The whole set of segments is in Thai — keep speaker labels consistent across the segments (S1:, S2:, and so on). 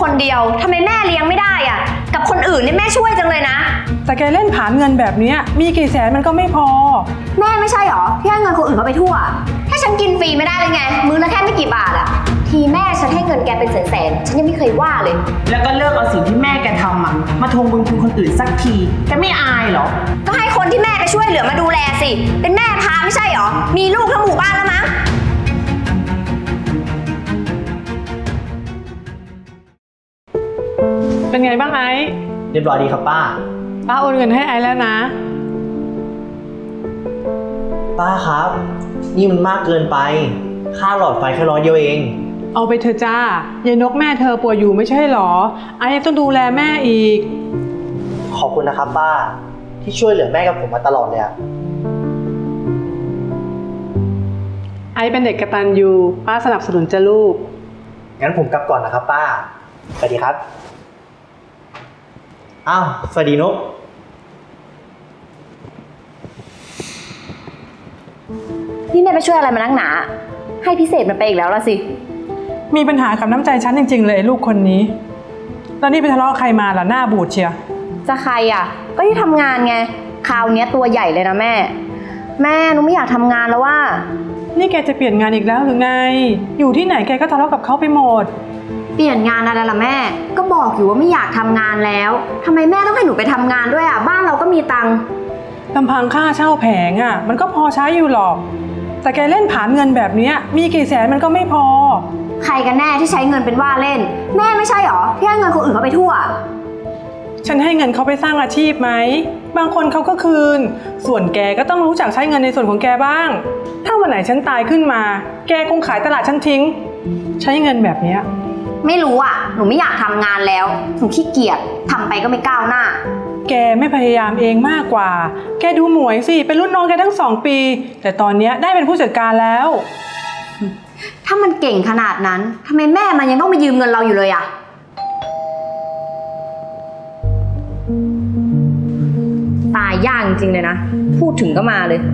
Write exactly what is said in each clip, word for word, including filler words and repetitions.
S1: คนเดียวทำไมแม่เลี้ยงไม่ได้อ่ะกับคนอื่นนี่แม่ช่วยจังเลยนะ
S2: แต่แกเล่นผานเงินแบบนี้มีกี่แสนมันก็ไม่พอ
S1: แม่ไม่ใช่หรอที่ให้เงินคนอื่นเขาไปทั่วถ้าฉันกินฟรีไม่ได้เลยไงมื้อละแค่ไม่กี่บาทอ่ะทีแม่ฉันให้เงินแกเป็นแสนๆฉันยังไม่เคยว่าเลย
S3: แล้วก็เลิกเอาสิ่งที่แม่แกทำอ่ะมาทวงบุญคุณคนอื่นสักทีแกไม่อายเหรอ
S1: ก็ให้คนที่แม่ไปช่วยเหลือมาดูแลสิเป็นแม่พาไม่ใช่หรอมีลูกทั้งหมู่บ้านแล้วมั้ง
S2: เป็นไงบ้างไอ้
S4: เรียบร้อยดีครับป้า
S2: ป้าโอนเงินให้ไอ้แล้วนะ
S4: ป้าครับนี่มันมากเกินไปค่าหลอดไฟแค่ร้อยเดียวเอง
S2: เอาไปเถอะจ้ายายนกแม่เธอป่วยอยู่ไม่ใช่หรอไอ้ต้องดูแลแม่อีก
S4: ขอบคุณนะครับป้าที่ช่วยเหลือแม่กับผมมาตลอดเลยอะ
S2: ไอ้เป็นเด็กกตัญญูป้าสนับสนุนจ้ะลูก
S4: งั้นผมกลับก่อนนะครับป้าสวัสดีครับอ้าวสวัสดีนก
S1: นี่แม่ไปช่วยอะไรมานักหนาให้พิเศษมันไปอีกแล้วละสิ
S2: มีปัญหากับน้ำใจฉันจริงๆเลยลูกคนนี้แล้วนี่ไปทะเลาะใครมาล่ะหน้าบูดเชีย
S1: จะใครอ่ะก็ที่ทำงานไงคราวนี้ตัวใหญ่เลยนะแม่แม่หนูไม่อยากทำงานแล้วว่า
S2: นี่แกจะเปลี่ยนงานอีกแล้วหรือไงอยู่ที่ไหนแกก็ทะเลาะกับเขาไปหมด
S1: เปลี่ยนงานอะไรล่ะแม่ก็บอกอยู่ว่าไม่อยากทำงานแล้วทำไมแม่ต้องให้หนูไปทำงานด้วยอ่ะบ้านเราก็มีตังค์
S2: ลำพังค่าเช่าแผงอ่ะมันก็พอใช้อยู่หรอกแต่แกเล่นผานเงินแบบนี้มีกี่แสนมันก็ไม่พอ
S1: ใครกันแน่ที่ใช้เงินเป็นว่าเล่นแม่ไม่ใช่หรอที่ให้เงินคนอื่นเขาไปทั่ว
S2: ฉันให้เงินเขาไปสร้างอาชีพไหมบางคนเขาก็คืนส่วนแกก็ต้องรู้จักใช้เงินในส่วนของแกบ้างถ้าวันไหนฉันตายขึ้นมาแกคงขายตลาดฉันทิ้งใช้เงินแบบนี้
S1: ไม่รู้อ่ะหนูไม่อยากทำงานแล้วหนูขี้เกียจทำไปก็ไม่ก้าวหน้า
S2: แกไม่พยายามเองมากกว่าแกดูหมวยสิเป็นรุ่นน้องแกทั้งสองปีแต่ตอนนี้ได้เป็นผู้จัดการแล้ว
S1: ถ้ามันเก่งขนาดนั้นทำไมแม่มันยังต้องมายืมเงินเราอยู่เลยอ่ะตายยากจริงๆเลยนะพูดถึงก็มาเลย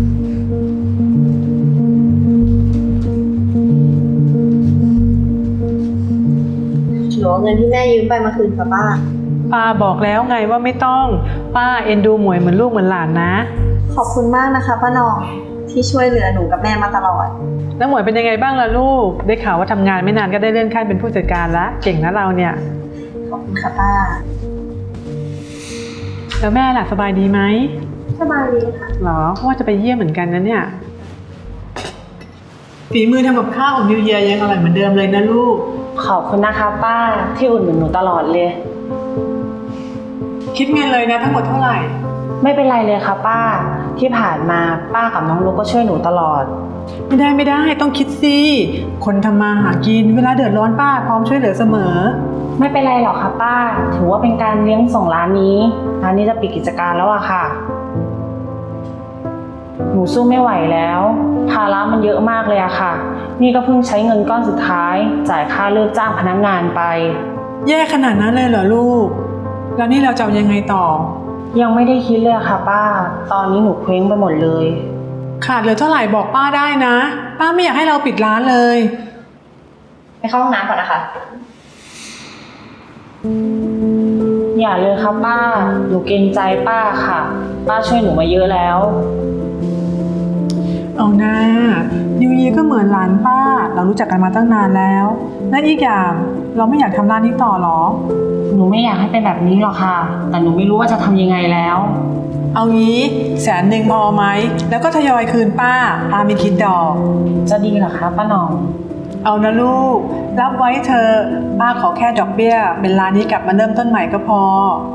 S1: หนูเอาเงินที่แม่ยืมไปมาคืนค่ะป้า
S2: ป้าบอกแล้วไงว่าไม่ต้องป้าเอ็นดูหมวยเหมือนลูกเหมือนหลานนะ
S1: ขอบคุณมากนะคะป้าหน่องที่ช่วยเหลือหนูกับแม่มาตลอด
S2: แล้วหมวยเป็นยังไงบ้างล่ะลูกได้ข่าวว่าทำงานไม่นานก็ได้เลื่อนขั้นเป็นผู้จัดการละเก่งนะเราเนี่ย
S1: ขอบคุณค่ะป้า
S2: แล้วแม่ล่ะสบายดีไหม
S1: สบายดีค่ะ
S2: หรอว่าจะไปเยี่ยมเหมือนกันนะเนี่ยฝีมือทำกับข้าวของนิวเยียยังอร่อยเหมือนเดิมเลยนะลูก
S3: ขอบคุณนะคะป้าที่อุดหนุนหนูตลอดเลย
S2: คิดเงินเลยนะทั้งหมดเท่าไหร่
S3: ไม่เป็นไรเลยค่ะป้าที่ผ่านมาป้ากับน้องลูกก็ช่วยหนูตลอด
S2: ไม่ได้ไม่ได้ต้องคิดสิคนทำมาหากินเวลาเดือดร้อนป้าพร้อมช่วยเหลือเสมอ
S3: ไม่เป็นไรหรอกค่ะป้าถือว่าเป็นการเลี้ยงส่งร้านนี้ร้านนี้จะปิดกิจการแล้วอะค่ะหนูสู้ไม่ไหวแล้วภาระมันเยอะมากเลยอะค่ะนี่ก็เพิ่งใช้เงินก้อนสุดท้ายจ่ายค่าเลิกจ้างพนักงานไป
S2: แย่ขนาดนั้นเลยเหรอลูกแล้วนี่เราจะยังไงต่อ
S3: ยังไม่ได้คิดเลยค่ะป้าตอนนี้หนูเคว้งไปหมดเลย
S2: ขาดเหลือเท่าไหร่บอกป้าได้นะป้าไม่อยากให้เราปิดร้านเลย
S1: ไปเข้าห้องน้ำก่อนนะคะ
S3: อย่าเลยค่ะป้าหนูเกรงใจป้าค่ะป้าช่วยหนูมาเยอะแล้ว
S2: เอาหน้านิวเยียก็เหมือนหลานป้าเรารู้จักกันมาตั้งนานแล้วและอีกอย่างเราไม่อยากทำร้านนี้ต่อหรอ
S3: หนูไม่อยากให้เป็นแบบนี้หรอกค่ะแต่หนูไม่รู้ว่าจะทำยังไงแล้ว
S2: เอางี้แสนหนึ่งพอไหมแล้วก็ทยอยคืนป้าป้าไม่คิดดอก
S3: จะดีเหรอคะป้าหน่อง
S2: เอานะลูกรับไว้เธอป้าขอแค่ดอกเบี้ยเป็นร้านนี้กลับมาเริ่มต้นใหม่ก็พอ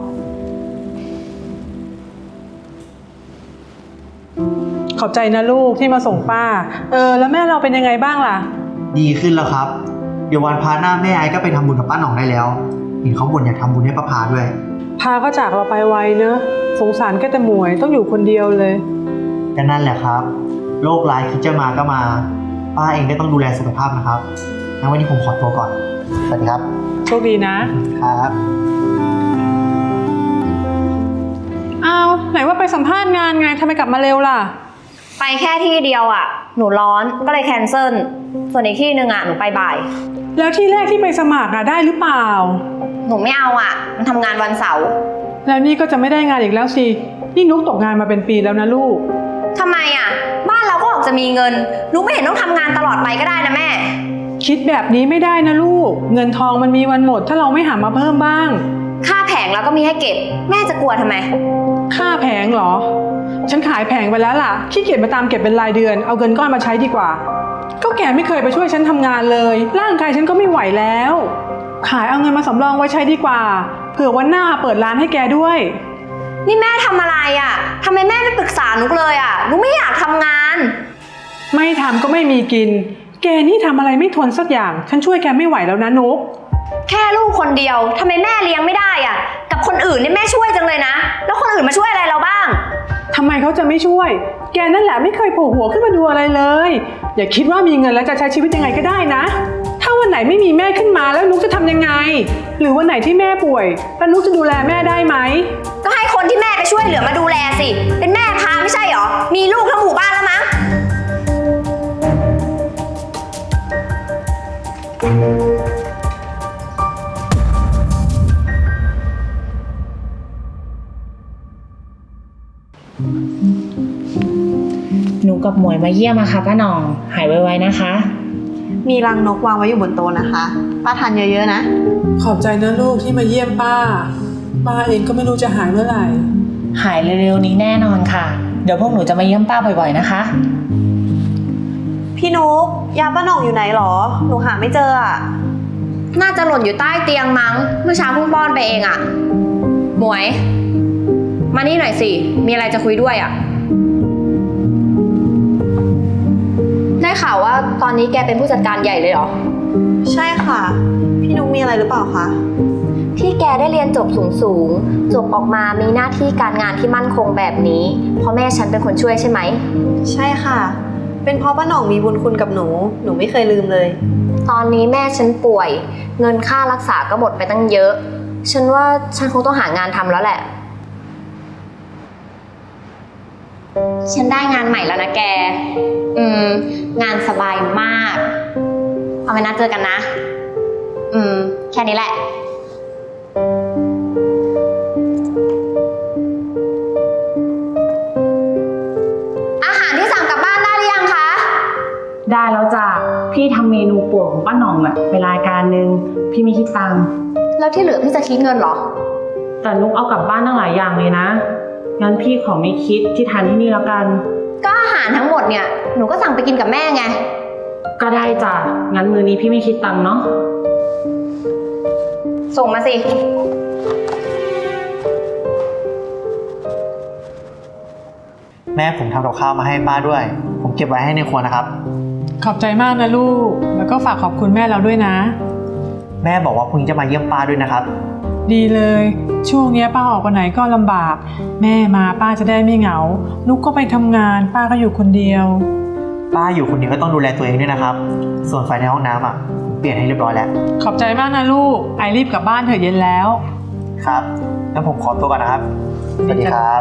S2: ขอบใจนะลูกที่มาส่งป้าเออแล้วแม่เราเป็นยังไงบ้างล่ะ
S4: ดีขึ้นแล้วครับเดี๋ยววันพาหน้าแม่ไอ้ก็ไปทำบุญกับป้าหน่องได้แล้วเห็นเขาบ่นอยากทำบุญให้ป้าพาด้วย
S2: พาก็จากเราไปไวเนอะสงสารแค่แต่หมวยต้องอยู่คนเดียวเลย
S4: ก็นั่นแหละครับโรคร้ายคิดจะมาก็มาป้าเองก็ต้องดูแลสุขภาพนะครับงั้นวันนี้ผมขอตัวก่อนสวัสดีครับ
S2: โชคดีนะครับอ้าวไหนว่าไปสัมภาษณ์งานไงทำไมกลับมาเร็วล่ะ
S1: ไปแค่ที่เดียวอ่ะหนูร้อนก็เลยแคนเซิลส่วนอีกที่หนึ่งอ่ะหนูไปบ่าย
S2: แล้วที่แรกที่ไปสมัครอะได้หรือเปล่า
S1: หนูไม่เอาอ่ะ มันทำงานวันเสาร์
S2: แล้วนี่ก็จะไม่ได้งานอีกแล้วสิ นี่นุกตกงานมาเป็นปีแล้วนะลูก
S1: ทำไมอ่ะ บ้านเราก็ออกจะมีเงินนุกไม่เห็นต้องทำงานตลอดไปก็ได้นะแม่
S2: คิดแบบนี้ไม่ได้นะลูก เงินทองมันมีวันหมดถ้าเราไม่หามาเพิ่มบ้าง
S1: ค่าแผงเราก็มีให้เก็บ แม่จะกลัวทำไม
S2: ค่าแผงเหรอ ฉันขายแผงไปแล้วล่ะ ขี้เกียจมาตามเก็บเป็นรายเดือน เอาเงินก้อนมาใช้ดีกว่า ก็แกไม่เคยไปช่วยฉันทำงานเลย ร่างกายฉันก็ไม่ไหวแล้ว ขายเอาเงินมาสำรองไว้ใช้ดีกว่า เผื่อวันหน้าเปิดร้านให้แกด้วย
S1: นี่แม่ทำอะไรอ่ะทำไมแม่ไม่ปรึกษานุกเลยอ่ะนุกไม่อยากทำงาน
S2: ไม่ทำก็ไม่มีกิน แกนี่ทำอะไรไม่ทนสักอย่าง ฉันช่วยแกไม่ไหวแล้วนะนุก
S1: แค่ลูกคนเดียวทำไมแม่เลี้ยงไม่ได้อ่ะ กับคนอื่นนี่แม่ช่วยจังเลยนะ แล้วคนอื่นมาช่วยอะไรเราบ้าง
S2: ทำไมเขาจะไม่ช่วย แกนั่นแหละไม่เคยโผล่หัวขึ้นมาดูอะไรเลย อย่าคิดว่ามีเงินแล้วจะใช้ชีวิตยังไงก็ได้นะ ถ้าวันไหนไม่มีแม่ขึ้นมาแล้วนุกจะทำยังไง หรือวันไหนที่แม่ป่วยแล้วนุกจะดูแลแม่ได้ไหม
S1: ก็ให้คนที่แม่ไปช่วยเหลือมาดูแลสิ เป็นแม่พาไม่ใช่หรอ มีลูกทั้งหมู่บ้านแล้วมั้ง
S3: หนูกับหมวยมาเยี่ยมอะค่ะป้าหน่อง หายไวๆนะคะ
S5: มีรังนกวางไว้อยู่บนโต๊ะนะคะ ป้าทานเยอะๆนะ
S2: ขอบใจนะลูกที่มาเยี่ยมป้า ป้าเองก็ไม่รู้จะหายเมื่อไหร่
S3: หายเร็วๆนี้แน่นอนค่ะ เดี๋ยวพวกหนูจะมาเยี่ยมป้าบ่อยๆนะคะ
S5: พี่นุ๊กยาป้าหน่องอยู่ไหนหรอ หนูหาไม่เจออะ
S1: น่าจะหล่นอยู่ใต้เตียงมั้ง เมื่อเช้าเพิ่งป้อนไปเองอ่ะ หมวย มานี่หน่อยสิ มีอะไรจะคุยด้วยอ่ะ ได้ข่าวว่าตอนนี้แกเป็นผู้จัดการใหญ่เลยเหรอ
S5: ใช่ค่ะ พี่นุ๊กมีอะไรหรือเปล่าคะ
S1: ที่แกได้เรียนจบสูงสูงๆจบออกมามีหน้าที่การงานที่มั่นคงแบบนี้เพราะแม่ฉันเป็นคนช่วยใช่ไหม
S5: ใช่ค่ะ เป็นเพราะป้าหน่องมีบุญคุณกับหนู หนูไม่เคยลืมเลย
S1: ตอนนี้แม่ฉันป่วย เงินค่ารักษาก็หมดไปตั้งเยอะ ฉันว่าฉันคงต้องหางานทำแล้วแหละ ฉันได้งานใหม่แล้วนะแก อืม งานสบายมาก เอาไว้นัดเจอกันนะ อืม แค่นี้แหละ อาหารที่สั่งกลับบ้านได้หรือยังคะ
S3: ได้แล้วจ้ะ พี่ทำเมนูโปรดของป้าหน่องอะเวลารายการนึง พี่ไม่คิดตังค์
S1: แล้วที่เหลือพี่จะคิดเงินเหรอ
S3: แต่นุกเอากลับบ้านตั้งหลายอย่างเลยนะ งั้นพี่ขอไม่คิดที่ทานที่นี่แล้วกัน
S1: ก็อาหารทั้งหมดเนี่ย หนูก็สั่งไปกินกับแม่ไง
S3: ก็ได้จ้ะ งั้นมื้อนี้พี่ไม่คิดตังค์เนาะ
S1: ส่งมาสิ
S4: แม่ผมทำกับข้าวมาให้ป้าด้วย ผมเก็บไว้ให้ในครัวนะครับ
S2: ขอบใจมากนะลูก แล้วก็ฝากขอบคุณแม่เราด้วยนะ
S4: แม่บอกว่าพรุ่งนี้จะมาเยี่ยมป้าด้วยนะครับ
S2: ดีเลย ช่วงเนี้ยป้าออกไปไหนก็ลำบาก แม่มาป้าจะได้ไม่เหงา นุกก็ไปทำงาน ป้าก็อยู่คนเดียว
S4: ป้าอยู่คนเดียวก็ต้องดูแลตัวเองด้วยนะครับ ส่วนไฟในห้องน้ำอ่ะผมเปลี่ยนให้เรียบร้อยแล้ว
S2: ขอบใจมากนะลูก ไอรีบกลับบ้านเถอะเย็นแล้ว
S4: ครับงั้นผมขอตัวก่อนนะครับ สวัสดีครับ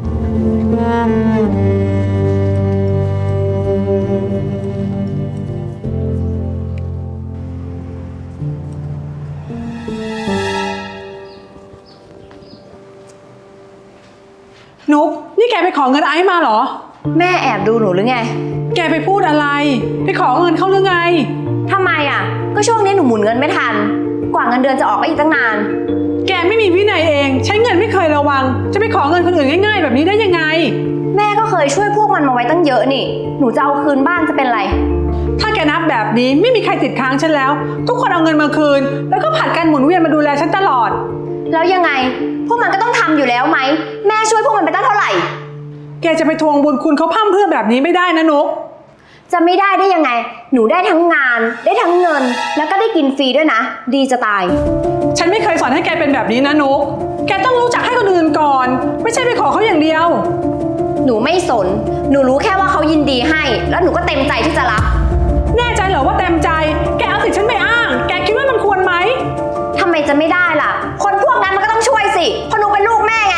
S2: นุกนี่แกไปขอเงินไอซ์มาเหรอ
S1: แม่แอบดูหนูหรือไง
S2: แกไปพูดอะไร ไปขอเงินเขาหรือไง
S1: ทำไมอ่ะ ก็ช่วงนี้หนูหมุนเงินไม่ทัน กว่าเงินเดือนจะออกก็อีกตั้งนาน
S2: แกไม่มีวินัยเอง ใช้เงินไม่เคยระวัง จะไปขอเงินคนอื่นง่ายๆแบบนี้ได้ยังไง
S1: แม่ก็เคยช่วยพวกมันมาไว้ตั้งเยอะนี่ หนูจะเอาคืนบ้างจะเป็นไร
S2: ถ้าแกนับแบบนี้ไม่มีใครติดค้างฉันแล้ว ทุกคนเอาเงินมาคืน แล้วก็ผัดกันหมุนเวียนมาดูแลฉันตลอด
S1: แล้วยังไง พวกมันก็ต้องทำอยู่แล้วไหม แม่ช่วยพวกมันไปตั้งเท่าไหร่
S2: แกจะไปทวงบุญคุณเขาพร่ำเพรื่อแบบนี้ไม่ได้นะนุก
S1: จะไม่ได้ได้ยังไง หนูได้ทั้งงาน ได้ทั้งเงิน แล้วก็ได้กินฟรีด้วยนะ ดีจะตาย
S2: ฉันไม่เคยสอนให้แกเป็นแบบนี้นะนุก แกต้องรู้จักให้คนอื่นก่อน ไม่ใช่ไปขอเขาอย่างเดียว
S1: หนูไม่สน หนูรู้แค่ว่าเขายินดีให้ แล้วหนูก็เต็มใจที่จะรับ
S2: แน่ใจเหรอว่าเต็มใจ แกเอาสิทธิ์ฉันไปอ้าง แกคิดว่ามันควรไหม
S1: ทำไมจะไม่ได้ล่ะ คนพวกนั้นมันก็ต้องช่วยสิเพราะหนูเป็นลูกแม่ไง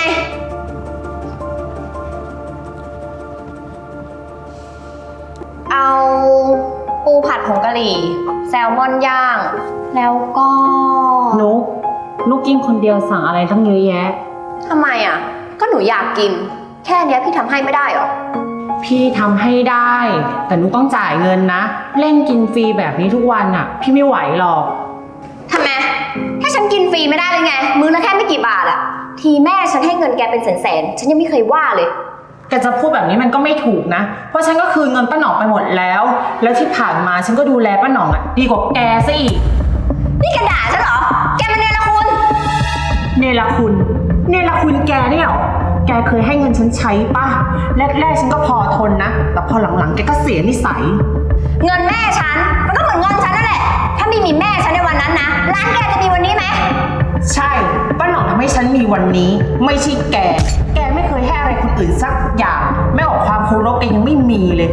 S1: เอาปูผัดผงกะหรี่ แซลมอนย่างแล้วก็
S3: นุกนุกกินคนเดียวสั่งอะไรตั้งเยอะแยะ
S1: ทำไมอ่ะ ก็หนูอยากกิน แค่เนี้ยพี่ทำให้ไม่ได้หรอ
S3: พี่ทำให้ได้ แต่นุกต้องจ่ายเงินนะ เล่นกินฟรีแบบนี้ทุกวันอ่ะ พี่ไม่ไหวหรอก
S1: ทำไมถ้าฉันกินฟรีไม่ได้เลยไง มื้อละแค่ไม่กี่บาทอะทีแม่ฉันให้เงินแกเป็นแสนๆฉันยังไม่เคยว่าเลย
S3: แกจะพูดแบบนี้มันก็ไม่ถูกนะ เพราะฉันก็คืนเงินป้าหนองไปหมดแล้ว แล้วที่ผ่านมาฉันก็ดูแลป้าหนองอ่ะดีกว่าแกซะอีก
S1: นี่แกด่าฉันเหรอ แกมันเนรคุณ
S3: เนรคุณ เนรคุณแกเนี่ยเหรอ แกเคยให้เงินฉันใช้ป่ะ แรกๆฉันก็พอทนนะ แต่พอหลังๆแกก็เสียนิสัย
S1: เงินแม่ฉันมันก็เหมือนเงินฉันนั่นแหละ ถ้าไม่มีแม่ฉันในวันนั้นนะร้านแกจะมีวันนี้ไหม
S3: ใช่ป้าหนองทำให้ฉันมีวันนี้ ไม่ใช่แก แกไม่เคยให้อะไรคนอื่นสักอย่างแม้ออกความเคารพแกยังไม่มีเลย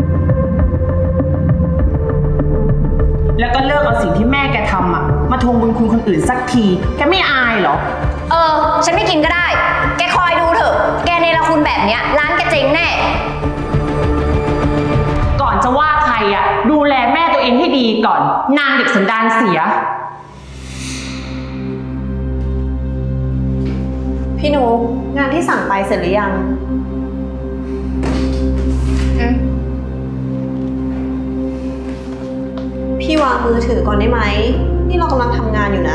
S3: แล้วก็เลิกเอาสิ่งที่แม่แกทำอะมาทวงบุญคุณคนอื่นสักที แกไม่อายเหรอ
S1: เออ ฉันไม่กินก็ได้ แกคอยดูเถอะ แกเนรคุณแบบเนี้ยร้านแกเจ๊งแน่
S3: ก่อนจะว่าใครอะดูแลแม่ตัวเองให้ดีก่อน นางเด็กสันดานเสีย
S5: พี่นุกงานที่สั่งไปเสร็จหรือยัง
S1: อืม
S5: พี่วางมือถือก่อนได้ไหม นี่เรากำลังทำงานอยู่นะ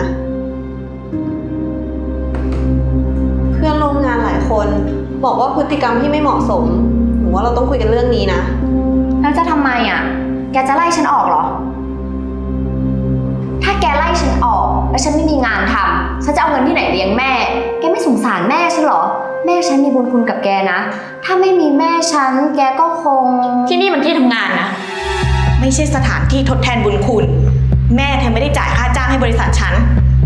S5: เพื่อนร่วมงานหลายคนบอกว่าพฤติกรรมที่ไม่เหมาะสม หนูว่าเราต้องคุยกันเรื่องนี้นะ
S1: แล้วจะทำไมอ่ะ แกจะไล่ฉันออกเหรอ ถ้าแกไล่ฉันออกแล้วฉันไม่มีงานทำฉันจะเอาเงินที่ไหนเลี้ยงแม่ แกไม่สงสารแม่ฉันเหรอ แม่ฉันมีบุญคุณกับแกนะ ถ้าไม่มีแม่ฉันแกก็คง
S6: ที่นี่มันที่ทำงานนะ ไม่ใช่สถานที่ทดแทนบุญคุณ แม่เธอไม่ได้จ่ายค่าจ้างให้บริษัทฉัน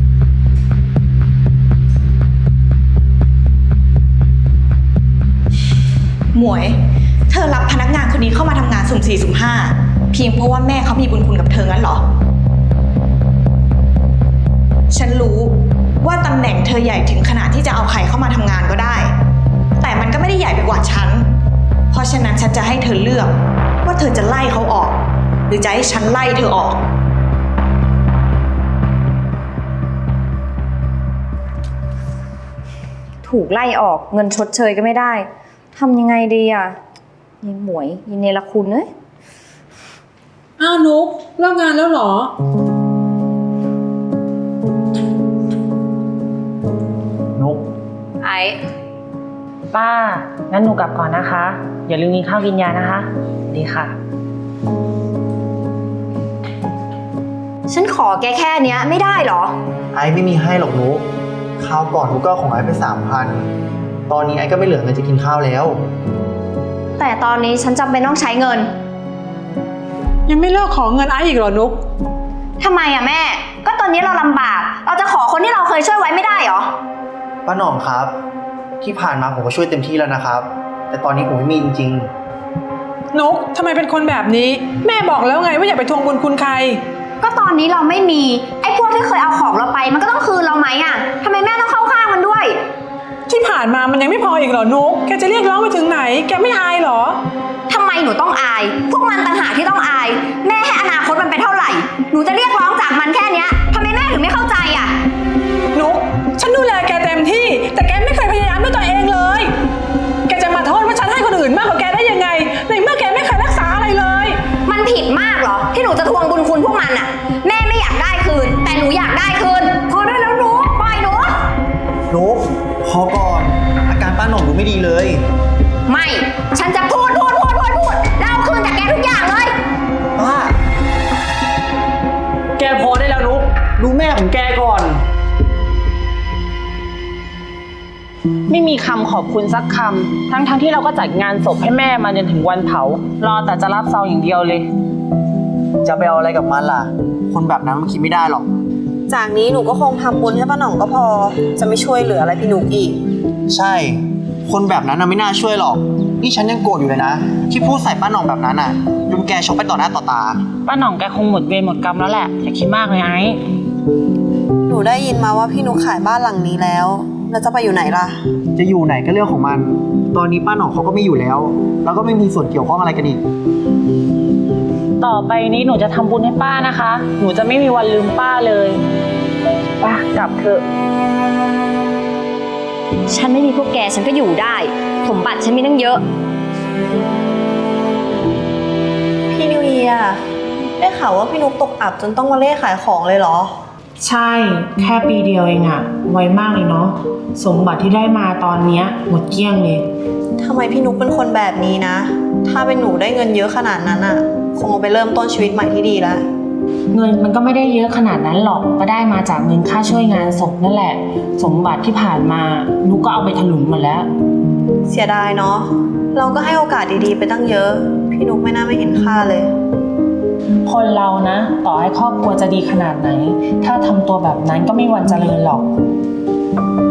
S6: หมวย เธอรับพนักงานคนนี้เข้ามาทำงานสุ่มสี่สุ่มห้าเพียงเพราะว่าแม่เขามีบุญคุณกับเธองั้นเหรอ ฉันรู้ว่าตำแหน่งเธอใหญ่ถึงขนาดที่จะเอาใครเข้ามาทำงานก็ได้ แต่มันก็ไม่ได้ใหญ่ไปกว่าฉัน เพราะฉะนั้นฉันจะให้เธอเลือกว่าเธอจะไล่เขาออก หรือจะให้ฉันไล่เธอออก
S1: ถูกไล่ออกเงินชดเชยก็ไม่ได้ทำยังไงดีอ่ะยิงหมวยยิงเนรคุณเอ้ย
S2: อ้าวนุกเลิกงานแล้วเหรอ
S4: นุก
S1: ไอ้
S3: ป้า งั้นหนูกลับก่อนนะคะ อย่าลืมกินข้าวกินยานะคะ ดีค่ะ
S1: ฉันขอแกแค่เนี้ยไม่ได้เหรอ
S4: ไอ้ไม่มีให้หรอกนุกคราวก่อนนุกก็ของไอ้ไปสามพันตอนนี้ไอ้ก็ไม่เหลือเงินจะกินข้าวแล้ว
S1: แต่ตอนนี้ฉันจำเป็นต้องใช้เงิน
S2: ยังไม่เลิกขอเงินไอ้อีกเหรอนุก
S1: ทำไมอ่ะแม่ ก็ตอนนี้เราลำบาก เราจะขอคนที่เราเคยช่วยไว้ไม่ได้เหรอ
S4: ป้าหน่องครับ ที่ผ่านมาผมก็ช่วยเต็มที่แล้วนะครับ แต่ตอนนี้ผมไม่มีจริง
S2: นุกทำไมเป็นคนแบบนี้ แม่บอกแล้วไงว่าอย่าไปทวงบุญคุณใคร
S1: ก็ตอนนี้เราไม่มี ไอ้พวกที่เคยเอาของเราไป มันก็ต้องคืนเราไหมอ่ะทำไมแม่ต้องเข้าข้างมันด้วย
S2: ที่ผ่านมามันยังไม่พออีกเหรอนุกแกจะเรียกร้องไปถึงไหน แกไม่อายเหรอ
S1: ทำไมหนูต้องอาย พวกมันต่างหากที่ต้องอาย แม่ให้อนาคตมันไปเท่าไหร่ หนูจะเรียกร้องจากมันแค่เนี้ยทำไมแม่ถึงไม่เข้าใจอ่ะ
S2: นุกฉันดูแลแกเต็มที่ แต่แกไม่เคยพยายามด้วยตัวเองเลย แกจะมาโทษว่าฉันให้คนอื่นมากกว่าแกได้ยังไง ในเมื่อแกไม่เคยรักษาอะไรเลย
S1: มันผิดมากเหรอ ที่หนูจะทวงบุญคุณพวกมันอ่ะ แม่ไม่อยากได้คืน แต่หนูอยากได้คืน พอได้แล้วหนูปล่อยหนู
S4: ๆนุกพอก่อน อาการป้าหน่องดูไม่ดีเลย
S1: ไม่ ฉันจะพูดพูดพูดพูดพูดแล้วเอาคืนจากแกทุกอย่างเลย
S4: ป้า แกพอได้แล้วนุกดูแม่ของแกก่อน
S3: ไม่มีคำขอบคุณสักคำ ทั้งๆทที่เราก็จัดงานศพให้แม่มาจนถึงวันเผา รอแต่จะรับซองอย่างเดียวเลย
S4: จะไปเอาอะไรกับมันล่ะ คนแบบนั้นมันคิดไม่ได้หรอก
S5: จากนี้หนูก็คงทำบุญให้ป้าหน่องก็พอ จะไม่ช่วยเหลืออะไรพี่นุกอีก
S4: ใช่ คนแบบนั้นน่ะไม่น่าช่วยหรอก นี่ฉันยังโกรธอยู่เลยนะ ที่พูดใส่ป้าหน่องแบบนั้นน่ะจนแกชกไปต่อหน้าต่อตา
S3: ป้าหน่องแกคงหมดเวรหมดกรรมแล้วแหละอย่าคิดมากเลยไอ้
S5: หนูได้ยินมาว่าพี่นุกขายบ้านหลังนี้แล้ว แล้วจะไปอยู่ไหนล่ะ
S4: จะอยู่ไหนก็เรื่องของมัน ตอนนี้ป้าหน่องเขาก็ไม่อยู่แล้ว แล้วก็ไม่มีส่วนเกี่ยวข้องอะไรกันอีก
S7: ต่อไปนี้หนูจะทำบุญให้ป้านะคะ หนูจะไม่มีวันลืมป้าเลยป้ากลับเถอะ
S1: ฉันไม่มีพวกแกฉันก็อยู่ได้ สมบัติฉันมีตั้งเยอะ
S5: พี่นิวเยียร์ได้ข่าวว่าพี่นุ๊กตกอับจนต้องมาเล่ขายของเลยเหรอ
S3: ใช่ แค่ปีเดียวเองอะไวมากเลยเนาะ สมบัติที่ได้มาตอนเนี้ยหมดเกลี้ยงเลย
S5: ทำไมพี่นุ๊กเป็นคนแบบนี้นะ ถ้าเป็นหนูได้เงินเยอะขนาดนั้นอะคงเอาไปเริ่มต้นชีวิตใหม่ที่ดีแล้ว
S8: เงินมันก็ไม่ได้เยอะขนาดนั้นหรอกก็ได้มาจากเงินค่าช่วยงานศพนั่นแหละ สมบัติที่ผ่านมานุกก็เอาไปถลุงหมดแล้ว
S5: เสียดายเนาะ เราก็ให้โอกาสดีๆไปตั้งเยอะ พี่นุ๊กไม่น่าไม่เห็นค่าเลย
S8: คนเรานะ ต่อให้ครอบครัวจะดีขนาดไหน ถ้าทำตัวแบบนั้นก็ไม่มีวันเจริญหรอก